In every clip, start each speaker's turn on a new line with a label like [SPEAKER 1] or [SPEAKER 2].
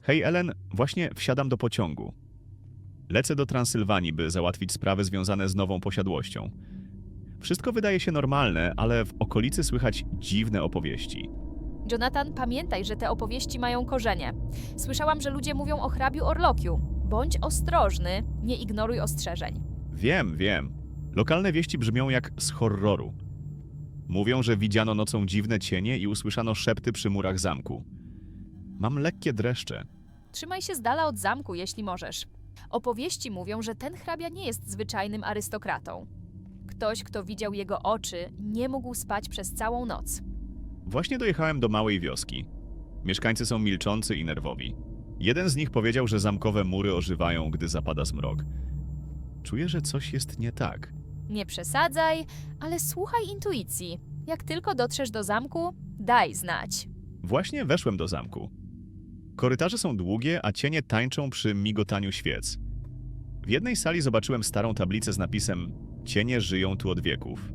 [SPEAKER 1] Hej Ellen, właśnie wsiadam do pociągu. Lecę do Transylwanii, by załatwić sprawy związane z nową posiadłością. Wszystko wydaje się normalne, ale w okolicy słychać dziwne opowieści.
[SPEAKER 2] Jonathan, pamiętaj, że te opowieści mają korzenie. Słyszałam, że ludzie mówią o hrabiu Orlokiu. Bądź ostrożny, nie ignoruj ostrzeżeń.
[SPEAKER 1] Wiem. Lokalne wieści brzmią jak z horroru. Mówią, że widziano nocą dziwne cienie i usłyszano szepty przy murach zamku. Mam lekkie dreszcze.
[SPEAKER 2] Trzymaj się z dala od zamku, jeśli możesz. Opowieści mówią, że ten hrabia nie jest zwyczajnym arystokratą. Ktoś, kto widział jego oczy, nie mógł spać przez całą noc.
[SPEAKER 1] Właśnie dojechałem do małej wioski. Mieszkańcy są milczący i nerwowi. Jeden z nich powiedział, że zamkowe mury ożywają, gdy zapada zmrok. Czuję, że coś jest nie tak.
[SPEAKER 2] Nie przesadzaj, ale słuchaj intuicji. Jak tylko dotrzesz do zamku, daj znać.
[SPEAKER 1] Właśnie weszłem do zamku. Korytarze są długie, a cienie tańczą przy migotaniu świec. W jednej sali zobaczyłem starą tablicę z napisem „Cienie żyją tu od wieków”.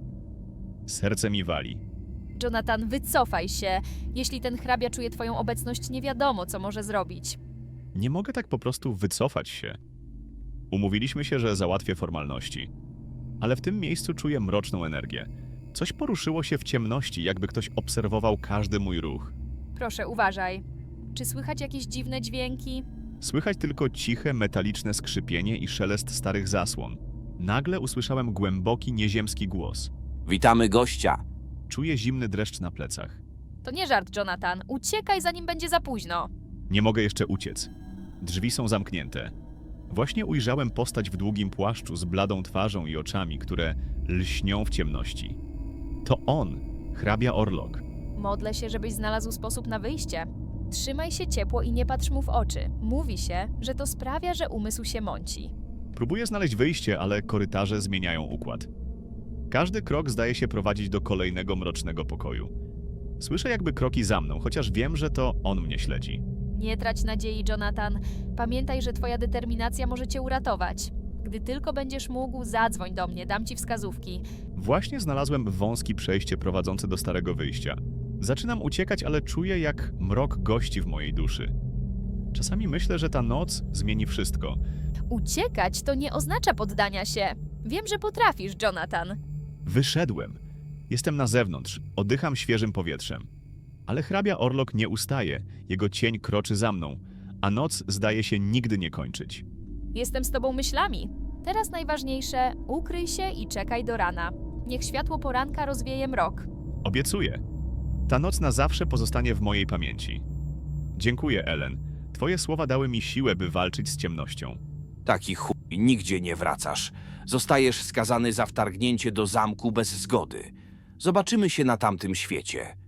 [SPEAKER 1] Serce mi wali.
[SPEAKER 2] Jonathan, wycofaj się. Jeśli ten hrabia czuje twoją obecność, nie wiadomo, co może zrobić.
[SPEAKER 1] Nie mogę tak po prostu wycofać się. Umówiliśmy się, że załatwię formalności. Ale w tym miejscu czuję mroczną energię. Coś poruszyło się w ciemności, jakby ktoś obserwował każdy mój ruch.
[SPEAKER 2] Proszę, uważaj. Czy słychać jakieś dziwne dźwięki?
[SPEAKER 1] Słychać tylko ciche, metaliczne skrzypienie i szelest starych zasłon. Nagle usłyszałem głęboki, nieziemski głos.
[SPEAKER 3] Witamy gościa.
[SPEAKER 1] Czuję zimny dreszcz na plecach.
[SPEAKER 2] To nie żart, Jonathan. Uciekaj, zanim będzie za późno.
[SPEAKER 1] Nie mogę jeszcze uciec. Drzwi są zamknięte. Właśnie ujrzałem postać w długim płaszczu z bladą twarzą i oczami, które lśnią w ciemności. To on, hrabia Orlok.
[SPEAKER 2] Modlę się, żebyś znalazł sposób na wyjście. Trzymaj się ciepło i nie patrz mu w oczy. Mówi się, że to sprawia, że umysł się mąci.
[SPEAKER 1] Próbuję znaleźć wyjście, ale korytarze zmieniają układ. Każdy krok zdaje się prowadzić do kolejnego mrocznego pokoju. Słyszę jakby kroki za mną, chociaż wiem, że to on mnie śledzi.
[SPEAKER 2] Nie trać nadziei, Jonathan. Pamiętaj, że twoja determinacja może cię uratować. Gdy tylko będziesz mógł, zadzwoń do mnie, dam ci wskazówki.
[SPEAKER 1] Właśnie znalazłem wąskie przejście prowadzące do starego wyjścia. Zaczynam uciekać, ale czuję, jak mrok gości w mojej duszy. Czasami myślę, że ta noc zmieni wszystko.
[SPEAKER 2] Uciekać to nie oznacza poddania się. Wiem, że potrafisz, Jonathan.
[SPEAKER 1] Wyszedłem. Jestem na zewnątrz, oddycham świeżym powietrzem. Ale hrabia Orlok nie ustaje, jego cień kroczy za mną, a noc zdaje się nigdy nie kończyć.
[SPEAKER 2] Jestem z tobą myślami. Teraz najważniejsze, ukryj się i czekaj do rana. Niech światło poranka rozwieje mrok.
[SPEAKER 1] Obiecuję. Ta noc na zawsze pozostanie w mojej pamięci. Dziękuję, Ellen. Twoje słowa dały mi siłę, by walczyć z ciemnością.
[SPEAKER 3] Taki chuj, nigdzie nie wracasz. Zostajesz skazany za wtargnięcie do zamku bez zgody. Zobaczymy się na tamtym świecie.